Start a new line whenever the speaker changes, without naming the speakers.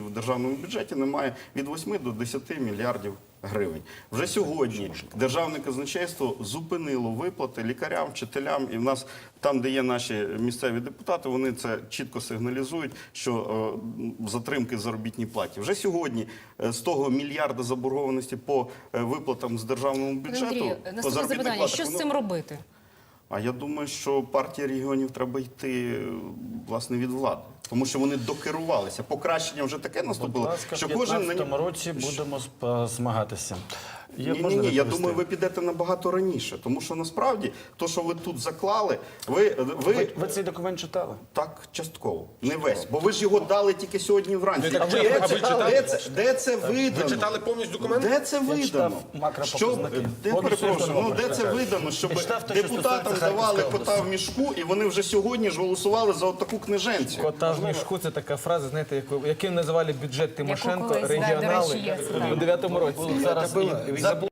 В державному бюджеті немає від 8 до 10 мільярдів гривень. Вже сьогодні державне казначейство зупинило виплати лікарям, вчителям, і в нас там, де є наші місцеві депутати, вони це чітко сигналізують, що затримки в заробітній платі. Вже сьогодні з того мільярда заборгованості по виплатам з державного бюджету,
Андрію,
по
наступне
заробітних
запитання.
платах,
Що з цим робити?
А я думаю, що партії регіонів треба йти, власне, від влади. Тому що вони докерувалися. Покращення вже таке наступило,
Будь ласка,
що
в
кожен...
2015 році будемо змагатися.
Ні, я думаю, ви підете набагато раніше. Тому що насправді, то, що ви тут заклали, ви
Ви цей документ читали?
так частково, не весь. Бо ви ж його дали тільки сьогодні вранці. Де це видано?
Ви читали повністю документ?
Де це видано?
читав макропоказники.
Де це видано, щоб
читав те, що
депутатам
стосується
давали
Харківської
кота в мішку, і вони вже сьогодні ж голосували за отаку книженцю?
Кота в мішку – це така фраза, знаєте, яким називали бюджет Тимошенко
колись, да, до
регіонали
речі, є це,
у 9-му році. Зараз і забули.